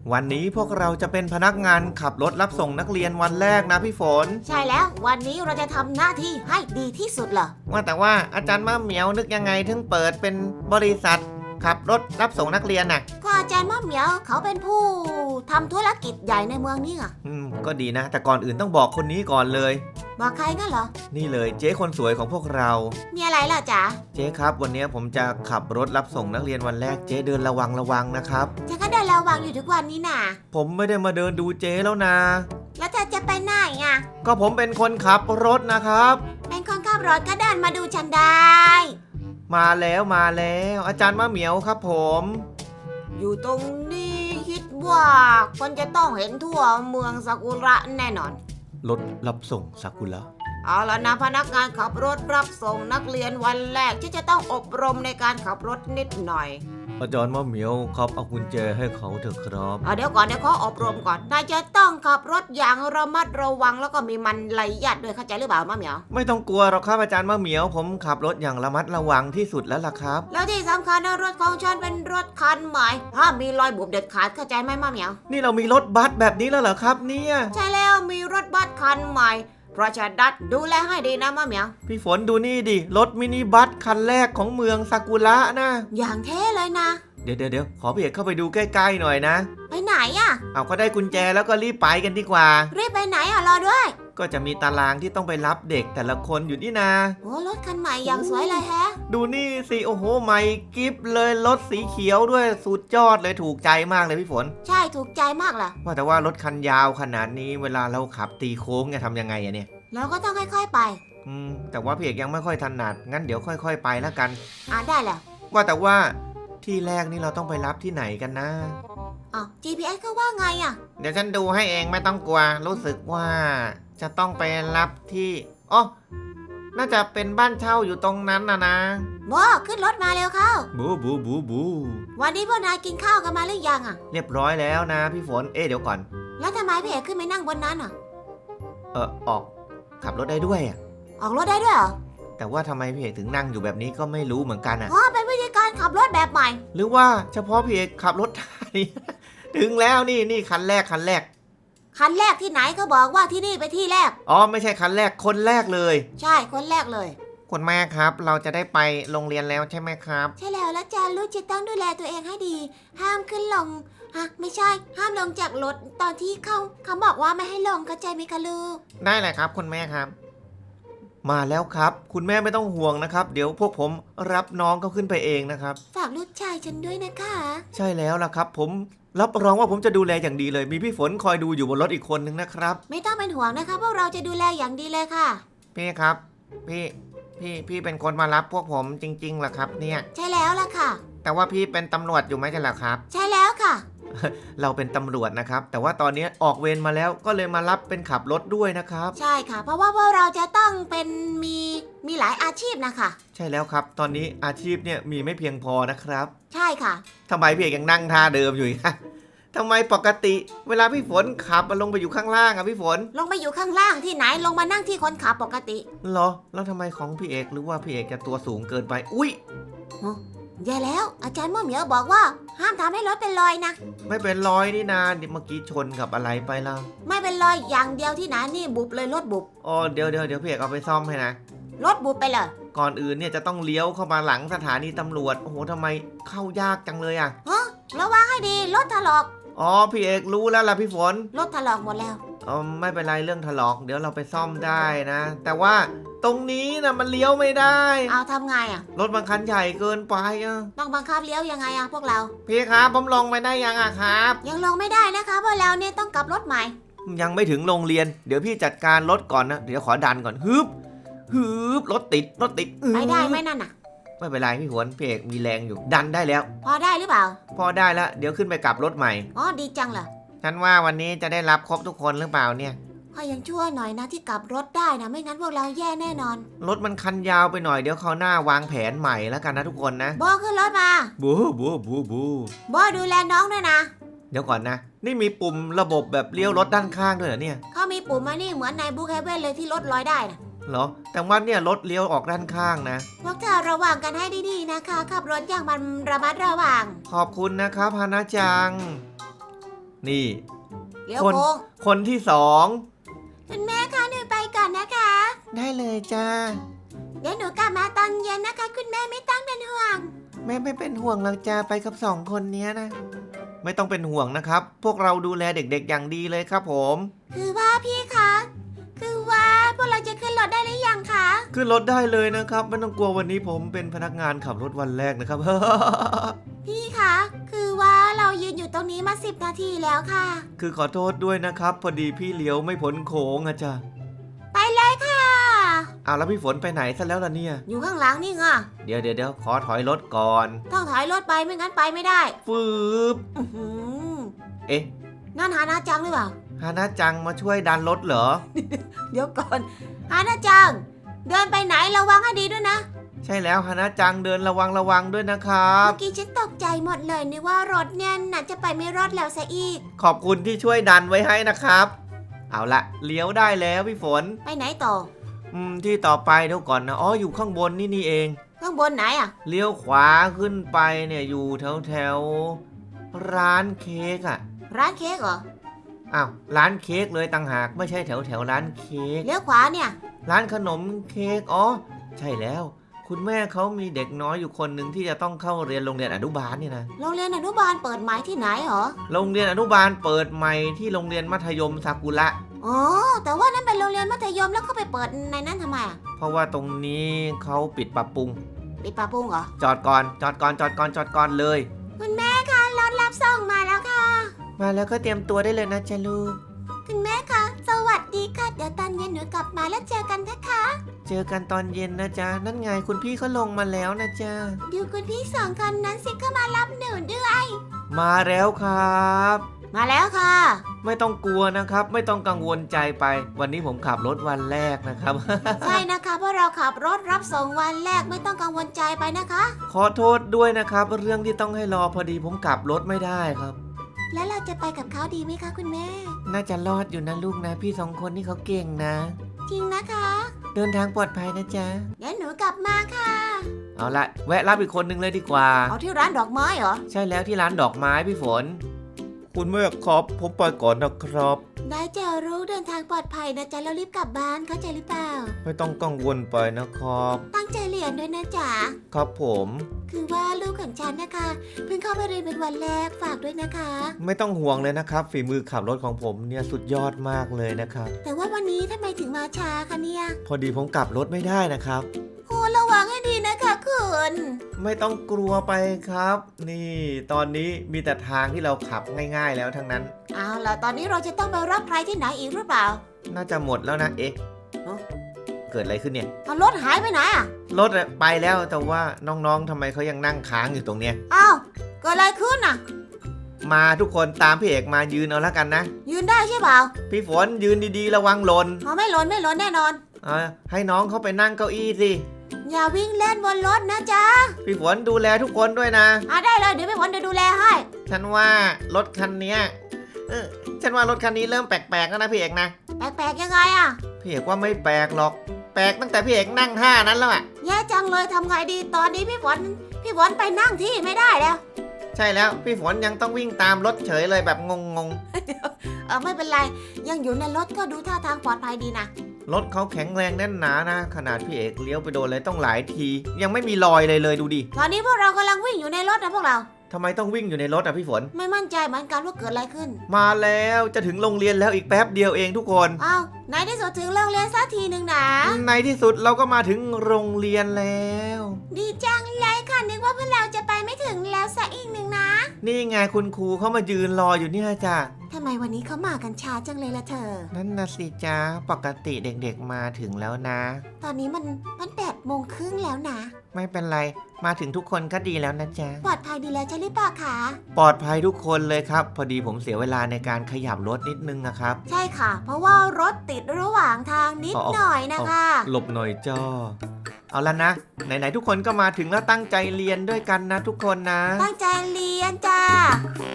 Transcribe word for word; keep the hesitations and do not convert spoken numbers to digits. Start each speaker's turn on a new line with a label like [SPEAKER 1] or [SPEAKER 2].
[SPEAKER 1] วันนี้พวกเราจะเป็นพนักงานขับรถรับส่งนักเรียนวันแรกนะพี่ฝน
[SPEAKER 2] ใช่แล้ววันนี้เราจะทำหน้าที่ให้ดีที่สุดเหรอ
[SPEAKER 1] ว่าแต่ว่าอาจารย์มะเหมียวนึกยังไงถึงเปิดเป็นบริษัทขับรถรับส่งนักเรียนน่ะ
[SPEAKER 2] ก็อาจารย์มะเหมียวเขาเป็นผู้ทำธุรกิจใหญ่ในเมืองนี่อ่ะ
[SPEAKER 1] อืมก็ดีนะแต่ก่อนอื่นต้องบอกคนนี้ก่อนเลย
[SPEAKER 2] บอกใครงั้นเหรอ
[SPEAKER 1] นี่เลยเจ๊คนสวยของพวกเรา
[SPEAKER 2] มีอะไรล่ะจ๊ะ
[SPEAKER 1] เจ๊ครับวันนี้ผมจะขับรถรับส่งนักเรียนวันแรกเจ๊เดินระวังระวังนะครับ
[SPEAKER 2] ฉันก็เดินระวังอยู่ทุกวันนี้น่ะ
[SPEAKER 1] ผมไม่ได้มาเดินดูเจ๊แล้วนะ
[SPEAKER 2] แล้วเธอจะไปไหนอ่ะ
[SPEAKER 1] ก็ผมเป็นคนขับรถนะครับ
[SPEAKER 2] เป็นคนขับรถก็เดินมาดูฉันได้
[SPEAKER 1] มาแล้วมาแล้วอาจารย์มะเหมียวครับผม
[SPEAKER 2] อยู่ตรงนี้คิดว่าคนจะต้องเห็นทั่วเมืองซากุระแน่นอน
[SPEAKER 1] รถรับส่งซากุระ
[SPEAKER 2] เอาล่ะนะพนักงานขับรถรับส่งนักเรียนวันแรกที่จะต้องอบรมในการขับรถนิดหน่อย
[SPEAKER 1] อาจารย์มะเหมียวครับเอากุญแจให้เขาเถอะครับ
[SPEAKER 2] เดี๋ยวก่อนเดี๋ยวเขาอบรมก่อนนายจะต้องขับรถอย่างระมัดระวังแล้วก็มีมันละเอียดด้วยเข้าใจหรือเปล่ามะเหมียว
[SPEAKER 1] ไม่ต้องกลัวหรอกครับอาจารย์มะเหมียวผมขับรถอย่างระมัดระวังที่สุดแล้วล่ะครับ
[SPEAKER 2] แล้วที่สำคัญนะรถของฉันเป็นรถคันใหม่ห้ามมีรอยบุบเด็ดขาดเข้าใจไหมมะเหมียว
[SPEAKER 1] นี่เรามีรถบัสแบบนี้แล้วเหรอครับเนี่ย
[SPEAKER 2] ใช่แล้วมีรถบัสคันใหม่เพราะฉะนั้นดูแลให้ดีนะมะเหมียว
[SPEAKER 1] พี่ฝนดูนี่ดิรถมินิบัสคันแรกของเมืองซากุระนะ
[SPEAKER 2] อย่างเท่เลยนะ
[SPEAKER 1] เดี๋ยวเดี๋ยวขอพี่เอกเข้าไปดูใกล้ๆหน่อยนะ
[SPEAKER 2] ไปไหนอ่ะ
[SPEAKER 1] เอาก็ได้กุญแจแล้วก็รีบไปกันดีกว่า
[SPEAKER 2] รีบไปไหนอ่ะรอด้วย
[SPEAKER 1] ก็จะมีตารางที่ต้องไปรับเด็กแต่ละคนอยู่นี่นะ
[SPEAKER 2] โอ้รถคันใหม่อย่างสวยเลยแฮะ
[SPEAKER 1] ดูนี่สิโอ้โหใหม่กิ๊บเลยรถสีเขียวด้วยสุดยอดเลยถูกใจมากเลยพี่ฝน
[SPEAKER 2] ใช่ถูกใจมากล่ะ
[SPEAKER 1] ว่าแต่ว่ารถคันยาวขนาดนี้เวลาเราขับตีโค้งเนี่ยทำยังไงอะเนี่ย
[SPEAKER 2] เราก็ต้องค่อยๆไป
[SPEAKER 1] อืมแต่ว่าพี่เอกยังไม่ค่อยถนัดงั้นเดี๋ยวค่อยๆไปแล้วกัน
[SPEAKER 2] อ่าได้แหละ
[SPEAKER 1] ว่าแต่ว่าที่แรกนี่เราต้องไปรับที่ไหนกันนะ
[SPEAKER 2] อ๋อ จี พี เอส เขาว่าไงอ่ะ
[SPEAKER 1] เดี๋ยวฉันดูให้เองไม่ต้องกลัวรู้สึกว่าจะต้องไปรับที่อ๋อน่าจะเป็นบ้านเช่าอยู่ตรงนั้นนะนะ
[SPEAKER 2] โบขึ้นรถมาเร็วเข้า
[SPEAKER 1] บูบูบูบู
[SPEAKER 2] วันนี้พวกนายกินข้าวกันมาหรือยังอ่ะ
[SPEAKER 1] เรียบร้อยแล้วนะพี่ฝนเอ๊ะเดี๋ยวก่อน
[SPEAKER 2] แล้วทำไมพี่เอกขึ้นไปนั่งบนนั้นอ่ะ
[SPEAKER 1] เออออกขับรถได้ด้วยอ่ะ
[SPEAKER 2] ออกรถได้ด้วยเหรอ
[SPEAKER 1] แต่ว่าทำไมพี่เอกถึงนั่งอยู่แบบนี้ก็ไม่รู้เหมือนกันอ่ะ
[SPEAKER 2] อ๋อเป็นวิธีการขับรถแบบใหม่
[SPEAKER 1] หรือว่าเฉพาะพี่เอกขับรถนี่ ถึงแล้วนี่นี่คันแรกคันแรก
[SPEAKER 2] คันแรกที่ไหนก็บอกว่าที่นี่ไปที่แรก
[SPEAKER 1] อ๋อไม่ใช่คันแรกคนแรกเลย
[SPEAKER 2] ใช่คนแรกเลย
[SPEAKER 1] คุณแม่ครับเราจะได้ไปโรงเรียนแล้วใช่ไหมครับ
[SPEAKER 2] ใช่แล้วแล้วจ้าลูกจะต้องดูแลตัวเองให้ดีห้ามขึ้นลงฮะไม่ใช่ห้ามลงจากรถตอนที่เขาเขาบอกว่าไม่ให้ลงเข้าใจไหมคะลูก
[SPEAKER 1] ได้เลยครับคุณแม่ครับมาแล้วครับคุณแม่ไม่ต้องห่วงนะครับเดี๋ยวพวกผมรับน้องเขาขึ้นไปเองนะครับ
[SPEAKER 2] ฝากลูกชายฉันด้วยนะคะ
[SPEAKER 1] ใช่แล้วล่ะครับผมรับรองว่าผมจะดูแลอย่างดีเลยมีพี่ฝนคอยดูอยู่บนรถอีกคนนึงนะครับ
[SPEAKER 2] ไม่ต้องเป็นห่วงนะคะพวกเราจะดูแลอย่างดีเลยค่ะ
[SPEAKER 1] พี่ครับพี่พี่พี่เป็นคนมารับพวกผมจริงๆเหรอครับเนี่ย
[SPEAKER 2] ใช่แล้วล่ะค่ะ
[SPEAKER 1] แต่ว่าพี่เป็นตำรวจอยู่ไหมใช่หรอครับ
[SPEAKER 2] ใช่แล้วค่ะ
[SPEAKER 1] เราเป็นตำรวจนะครับแต่ว่าตอนนี้ออกเวรมาแล้วก็เลยมารับเป็นขับรถด้วยนะครับ
[SPEAKER 2] ใช่ค่ะเพราะว่าพวกเราจะต้องเป็นมีมีหลายอาชีพนะคะ
[SPEAKER 1] ใช่แล้วครับตอนนี้อาชีพเนี่ยมีไม่เพียงพอนะครับ
[SPEAKER 2] ใช่ค่ะ
[SPEAKER 1] ทำไมพี่เอกยังนั่งท่าเดิมอยู่คะทำไมปกติเวลาพี่ฝนขับมาลงไปอยู่ข้างล่างอะพี่ฝน
[SPEAKER 2] ลงไปอยู่ข้างล่างที่ไหนลงมานั่งที่คนขับปกติ
[SPEAKER 1] เหรอแล้วทำไมของพี่เอกหรือว่าพี่เอกจะตัวสูงเกินไปอุ้ย
[SPEAKER 2] แย่แล้วอาจารย์ม่อเหมียวบอกว่าห้ามทำให้รถเป็นรอยนะ
[SPEAKER 1] ไม่เป็นรอยนี่นาเมื่อกี้ชนกับอะไรไปล่ะ
[SPEAKER 2] ไม่เป็นรอยอย่างเดียวที่ไหนนี่บุบเลยรถบุบ
[SPEAKER 1] อ๋อเดี๋ยวเดี๋ยวเดี๋ยวพี่เอกเอาไปซ่อมให้นะ
[SPEAKER 2] รถบุบไปเลย
[SPEAKER 1] ก่อนอื่นเนี่ยจะต้องเลี้ยวเข้ามาหลังสถานีตำรวจโอ้โหทำไมเข้ายากจังเลยอะ
[SPEAKER 2] ฮะระวังให้ดีรถถลอก
[SPEAKER 1] อ๋อพี่เอกรู้แล้วล่ะพี่ฝน
[SPEAKER 2] รถถลอกหมดแล้ว
[SPEAKER 1] อ๋อไม่เป็นไรเรื่องถลอกเดี๋ยวเราไปซ่อมได้นะแต่ว่าตรงนี้นะมันเลี้ยวไม่ได้
[SPEAKER 2] เอาทำไงอ่ะ
[SPEAKER 1] รถบางคันใหญ่เกินไปอ่ะ
[SPEAKER 2] ต้องบังคับเลี้ยวยังไงอ่ะพวกเรา
[SPEAKER 1] พี่ครับผมลงไปได้ยังอ่ะครับ
[SPEAKER 2] ยังลงไม่ได้นะคะเพราะเราเนี่ยต้องกลับรถใหม่
[SPEAKER 1] ยังไม่ถึงโรงเรียนเดี๋ยวพี่จัดการรถก่อนนะเดี๋ยวขอดันก่อนฮึบฮึบรถติดรถติด
[SPEAKER 2] ไปได้ไหมนั่นน่ะ
[SPEAKER 1] ไม่เป็นไรพี่ฝนพี่เอกมีแรงอยู่ดันได้แล้ว
[SPEAKER 2] พอได้หรือเปล่า
[SPEAKER 1] พอได้แล้วเดี๋ยวขึ้นไปกลับรถใหม่
[SPEAKER 2] อ๋อดีจังเหรอ
[SPEAKER 1] ฉันว่าวันนี้จะได้รับครบทุกคนหรือเปล่าเนี่ย
[SPEAKER 2] ขอยังชั่วหน่อยนะที่กลับรถได้นะไม่งั้นพวกเราแย่แน่นอน
[SPEAKER 1] รถมันคันยาวไปหน่อยเดี๋ยวเขาหน้าวางแผนใหม่แล้วกันนะทุกคนนะ
[SPEAKER 2] โบขึ้นรถมา
[SPEAKER 1] บูบูบูบู
[SPEAKER 2] โบดูแลน้องด้วยนะ
[SPEAKER 1] เดี๋ยวก่อนนะนี่มีปุ่มระบบแบบเลี้ยวรถด้านข้างด้วยเหรอเนี่ย
[SPEAKER 2] เขามีปุ่มมานี่เหมือนในบุ๊กเฮเว่นเลยที่รถลอยได้นะ
[SPEAKER 1] เหรอแต่ว่าเนี่ยรถเลี้ยวออกด้านข้างนะ
[SPEAKER 2] พวกเธอระวังกันให้ดีๆนะคะขับรถอย่างมันระมัดระวัง
[SPEAKER 1] ขอบคุณนะครับฮานาจังนี่
[SPEAKER 2] เลี้ยว
[SPEAKER 1] คน
[SPEAKER 2] โค้ง
[SPEAKER 1] คนที่สอง
[SPEAKER 2] คุณแม่คะหนูไปก่อนนะคะ
[SPEAKER 1] ได้เลยจ้า
[SPEAKER 2] เดี๋ยวหนูกลับมาตอนเย็นนะคะ คุณแม่ไม่ต้องเป็นห่วง
[SPEAKER 1] แม่ไม่เป็นห่วงหรอกจ้าไปกับสองคนเนี้ยนะ ไม่ต้องเป็นห่วงนะครับ พวกเราดูแลเด็กๆอย่างดีเลยครับผม
[SPEAKER 2] คือว่าพี่คะ คือว่าพวกเราจะขึ้นรถได้หรือยังคะ
[SPEAKER 1] ขึ้นรถได้เลยนะครับไม่ต้องกลัววันนี้ผมเป็นพนักงานขับรถวันแรกนะครับ
[SPEAKER 2] พี่คะ คือว่าเรายืนอยู่ตรงนี้มาสิบนาทีแล้วค่ะ
[SPEAKER 1] คือขอโทษด้วยนะครับ พอดีพี่เลี้ยวไม่พ้นโค้งอะจ้ะ
[SPEAKER 2] ไปเลยค่ะ
[SPEAKER 1] เอาแล้วพี่ฝนไปไหนซะแล้วล่ะเนี่ย
[SPEAKER 2] อยู่ข้างหลังนี่ไง
[SPEAKER 1] เดี๋ยวเดี๋ยวเดี๋ยวขอถอยรถก่อน
[SPEAKER 2] ต้องถอยรถไปไม่งั้นไปไม่ได้
[SPEAKER 1] ฟืบ
[SPEAKER 2] อื้อหือ
[SPEAKER 1] เอ๊ะ
[SPEAKER 2] นั่นฮานาจังหรือเปล่า
[SPEAKER 1] ฮานาจังมาช่วยดันรถเหรอ
[SPEAKER 2] เดี๋ยวก่อนฮานาจัง เดินไปไหนระวังให้ดีด้วยนะ
[SPEAKER 1] ใช่แล้วฮานาจังเดินระวังระวังด้วยนะครับ
[SPEAKER 2] เมื่อกี้ฉันตกใจหมดเลยนึกว่ารถเนี่ยน่าจะไปไม่รอดแล้วซะอีก
[SPEAKER 1] ขอบคุณที่ช่วยดันไว้ให้นะครับ เอาละเลี้ยวได้แล้วพี่ฝน
[SPEAKER 2] ไปไหนต่อ
[SPEAKER 1] อืมที่ต่อไปเดี๋ยวก่อนนะอ๋ออยู่ข้างบนนี่นี่เอง
[SPEAKER 2] ข้างบนไหนอ่ะ
[SPEAKER 1] เลี้ยวขวาขึ้นไปเนี่ยอยู่แถวแถวร้านเค้กอะ
[SPEAKER 2] ร้านเค้กเหรอ
[SPEAKER 1] อ้าวร้านเค้กเลยต่างหากไม่ใช่แถวแถวร้านเค้ก
[SPEAKER 2] เลี้ยวขวาเนี่ย
[SPEAKER 1] ร้านขนมเค้กอ๋อใช่แล้ว คุณแม่เขามีเด็กน้อยอยู่คนหนึ่งที่จะต้องเข้าเรียนโรงเรียนอนุบาลนี่นะ
[SPEAKER 2] โรงเรียนอนุบาลเปิดใหม่ที่ไหนเหรอ
[SPEAKER 1] โรงเรียนอนุบาลเปิดใหม่ที่โรงเรียนมัธยมซากุระ
[SPEAKER 2] อ๋อ แต่ว่านั่นเป็นโรงเรียนมัธยมแล้วเขาไปเปิดในนั้นทำไมอ่ะ
[SPEAKER 1] เพราะว่าตรงนี้เขาปิดปรับปรุง
[SPEAKER 2] ปิดปลาปุ้งเหรอ
[SPEAKER 1] จอดก่อนจอดก่อนจอดก่อนจอดก่อนเลย
[SPEAKER 2] คุณแม่คะรถรับส่งมาแล้วค่ะ
[SPEAKER 1] มาแล้วก็เตรียมตัวได้เลยนะจ๊ะลูก
[SPEAKER 2] คุณแม่คะ สวัสดีค่ะ เดี๋ยวตอนเย็นหนูกลับมาแล้วเจอกันนะคะ
[SPEAKER 1] เจอกันตอนเย็นนะจ๊ะนั่นไงคุณพี่เขาลงมาแล้วนะจ๊ะ
[SPEAKER 2] ดูคุณพี่สองคนนั้นสิเข้ามารับหนูด้วย
[SPEAKER 1] มาแล้วครับ
[SPEAKER 2] มาแล้วค่ะ
[SPEAKER 1] ไม่ต้องกลัวนะครับ ไม่ต้องกังวลใจไป วันนี้ผมขับรถวันแรกนะครับ
[SPEAKER 2] ใช่นะคะเพราะเราขับรถรับส่งวันแรกไม่ต้องกังวลใจไปนะคะ
[SPEAKER 1] ขอโทษด้วยนะครับ เรื่องที่ต้องให้รอพอดีผมขับรถไม่ได้ครับ
[SPEAKER 2] แล้วเราจะไปกับเขาดีไหมคะคุณแม่
[SPEAKER 1] น่าจะรอดอยู่นะลูกนะ พี่สองคนนี่เขาเก่งนะ
[SPEAKER 2] จริงนะคะ
[SPEAKER 1] เดินทางปลอดภัยนะจ๊ะ
[SPEAKER 2] เดี๋ยวหนูกลับมาค่ะ
[SPEAKER 1] เอาละแวะรับอีกคนนึงเลยดีกว่า
[SPEAKER 2] เอาที่ร้านดอกไม้เหรอ
[SPEAKER 1] ใช่แล้วที่ร้านดอกไม้พี่ฝน คุณแม่ครับผมไปก่อนนะครับ
[SPEAKER 2] ได้เจอรู้เดินทางปลอดภัยนะจ๊ะแล้วรีบกลับบ้านเข้าใจหรือเปล่า
[SPEAKER 1] ไม่ต้องกังวลไปนะครับ
[SPEAKER 2] ตั้งใจเรียนด้วยนะจ๊ะ
[SPEAKER 1] ครับผม
[SPEAKER 2] คือว่าลูกของฉันนะคะเพิ่งเข้าไปเรียนเป็นวันแรกฝากด้วยนะคะ
[SPEAKER 1] ไม่ต้องห่วงเลยนะครับฝีมือขับรถของผมเนี่ยสุดยอดมากเลยนะครับ
[SPEAKER 2] แต่ว่าวันนี้ทำไมถึงมาช้าคะเนี่ย
[SPEAKER 1] พอดีผมกลับรถไม่ได้นะครับ
[SPEAKER 2] โอ้ระวังให้ดีนะคะคุณ
[SPEAKER 1] ไม่ต้องกลัวไปครับ นี่ตอนนี้มีแต่ทางที่เราขับง่ายๆแล้วทั้งนั้น
[SPEAKER 2] เอาล่ะตอนนี้เราจะต้องไปรับใครที่ไหนอีกหรือเปล่า
[SPEAKER 1] น่าจะหมดแล้วนะเอ๊ะ
[SPEAKER 2] เอ้า
[SPEAKER 1] เกิดอะไรขึ้นเนี่ย
[SPEAKER 2] เอารถหายไปไหนอ่ะ
[SPEAKER 1] รถอะไปแล้วแต่ว่าน้องๆทำไมเขายังนั่งค้างอยู่ตรงเนี้ย
[SPEAKER 2] อ้าวเกิดอะไรขึ้นอ่ะ
[SPEAKER 1] มาทุกคนตามพี่เอกมายืนเอาแล้วกันนะ
[SPEAKER 2] ยืนได้ใช่เปล่า
[SPEAKER 1] พี่ฝนยืนดีๆระวังหล่น
[SPEAKER 2] เอาไม่หล่นไม่หล่นแน่นอน
[SPEAKER 1] เอาให้น้องเขาไปนั่งเก้าอี้สิ
[SPEAKER 2] อย่าวิ่งเล่นบนรถนะจ๊ะ
[SPEAKER 1] พี่ฝนดูแลทุกคนด้วยนะ
[SPEAKER 2] อ่ะได้เลยเดี๋ยวพี่ฝนจะดูแลให้
[SPEAKER 1] ฉันว่ารถคันเนี้ยเออฉันว่ารถคันนี้เริ่มแปลกๆแล้วนะพี่เอกนะ
[SPEAKER 2] แปลกๆยังไงอ่ะ
[SPEAKER 1] พี่เอกว่าไม่แปลกหรอก แปลกตั้งแต่พี่เอกนั่งท่านั้นแล้วอะ
[SPEAKER 2] แย่จังเลยทำไงดีตอนนี้พี่ฝนพี่ฝนไปนั่งที่ไม่ได้แล้ว
[SPEAKER 1] ใช่แล้วพี่ฝนยังต้องวิ่งตามรถเฉยเลยแบบงง
[SPEAKER 2] เออไม่เป็นไรยังอยู่ในรถก็ดูท่าทางปลอดภัยดีนะ
[SPEAKER 1] ๆรถเขาแข็งแรงแน่นหนานะ ขนาดพี่เอกเลี้ยวไปโดนเลยต้องหลายที ยังไม่มีรอยเลยเลยดูดิ
[SPEAKER 2] ตอนนี้พวกเรากำลังวิ่งอยู่ในรถนะพวกเรา
[SPEAKER 1] ทำไมต้องวิ่งอยู่ในรถอะพี่ฝน
[SPEAKER 2] ไม่มั่นใจเหมือนกันว่าเกิดอะไรขึ้น
[SPEAKER 1] มาแล้วจะถึงโรงเรียนแล้วอีกแป๊บเดียวเองทุกคน
[SPEAKER 2] อ้าวในที่สุดถึงโรงเรียนสักทีหนึ่งนะ
[SPEAKER 1] ในที่สุดเราก็มาถึงโรงเรียนแล้ว
[SPEAKER 2] ดีจังเลยค่ะนึกว่าพวกเราจะไปไม่ถึงแล้วสักอีกหนึ่งนะ
[SPEAKER 1] นี่ไงคุณครูเขามายืนรออยู่เนี่ยจ้ะ
[SPEAKER 2] ทำไมวันนี้เขามากันช้าจังเลยล่ะเธอ
[SPEAKER 1] นั่นนะสิจ้าปกติเด็กๆมาถึงแล้วนะ
[SPEAKER 2] ตอนนี้มันมันแปดโมงครึ่งแล้วนะ
[SPEAKER 1] ไม่เป็นไรมาถึงทุกคนก็ดีแล้วนะจ๊ะ
[SPEAKER 2] ปลอดภัยดีแล้วใช่หรือเปล่าคะ
[SPEAKER 1] ปลอดภัยทุกคนเลยครับ พอดีผมเสียเวลาในการขยับรถนิดนึงนะครับ
[SPEAKER 2] ใช่ค่ะ เพราะว่ารถติดระหว่างทางนิด
[SPEAKER 1] อ๋อ
[SPEAKER 2] หน่อยนะคะ
[SPEAKER 1] หลบหน่อยจ้าเอาละนะไหนๆทุกคนก็มาถึงแล้วตั้งใจเรียนด้วยกันนะทุกคนนะ
[SPEAKER 2] ตั้งใจเรียนจ้า